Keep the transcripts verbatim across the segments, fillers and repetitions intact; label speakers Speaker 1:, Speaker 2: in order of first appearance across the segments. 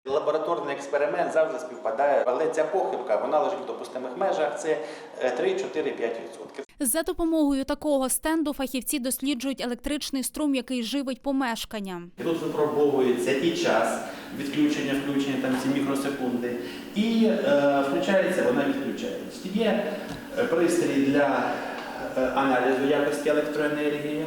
Speaker 1: Лабораторний експеримент завжди співпадає, але ця похибка, вона лежить в допустимих межах, це три, чотири, п'ять відсотків.
Speaker 2: За допомогою такого стенду фахівці досліджують електричний струм, який живить помешкання.
Speaker 1: Тут випробовується і час відключення, включення, там ці мікросекунди, і е, включається, вона відключається. Є пристрій для аналізу якості електроенергії,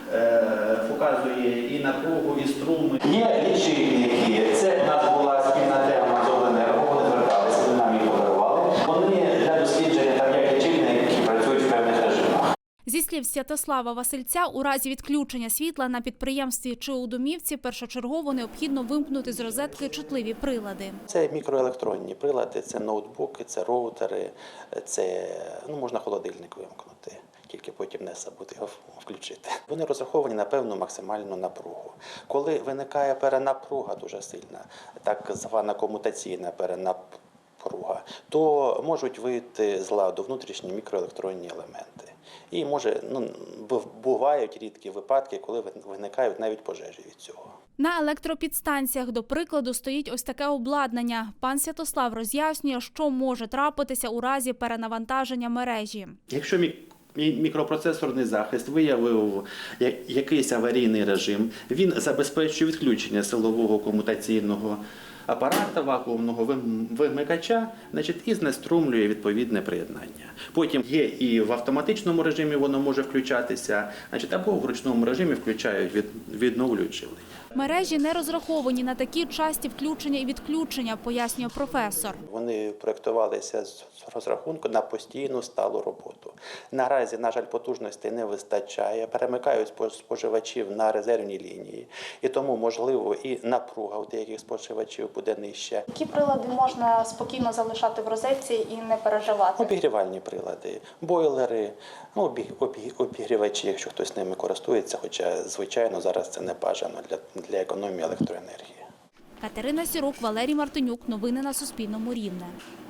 Speaker 1: е, показує і напругу, і струми. Є лічильники, це у нас була спільна тема з обленерго, вони зверталися, вони нам їх подарували. Вони для дослідження, там як лічильники, які працюють в певних режимах.
Speaker 2: Зі слів Святослава Васильця, у разі відключення світла на підприємстві чи у домівці першочергово необхідно вимкнути з розетки чутливі прилади.
Speaker 1: Це мікроелектронні прилади, це ноутбуки, це роутери, це, ну, можна холодильник вимкнути, тільки потім не забути його включити. Вони розраховані на певну максимальну напругу. Коли виникає перенапруга дуже сильна, так звана комутаційна перенапруга, то можуть вийти з ладу внутрішні мікроелектронні елементи. І може, ну, бувають рідкі випадки, коли виникають навіть пожежі від цього.
Speaker 2: На електропідстанціях, до прикладу, стоїть ось таке обладнання. Пан Святослав роз'яснює, що може трапитися у разі перенавантаження мережі.
Speaker 1: Якщо мікропроцесорний захист виявив якийсь аварійний режим, він забезпечує відключення силового комутаційного апарата вакуумного вимикача, значить, і знеструмлює відповідне приєднання. Потім є і в автоматичному режимі воно може включатися, значить, або в ручному режимі включають, від, відновлюють живлення.
Speaker 2: Мережі не розраховані на такі часті включення і відключення, пояснює професор.
Speaker 1: Вони проєктувалися з розрахунку на постійну сталу роботу. Наразі, на жаль, потужностей не вистачає, перемикають споживачів на резервні лінії, і тому, можливо, і напруга у деяких споживачів буде нижча.
Speaker 3: Які прилади можна спокійно залишати в розетці і не переживати?
Speaker 1: Обігрівальні прилади, бойлери, ну, обігрівачі, якщо хтось ними користується, хоча, звичайно, зараз це не бажано для, для економії електроенергії.
Speaker 2: Катерина Сірук, Валерій Мартинюк. Новини на Суспільному. Рівне.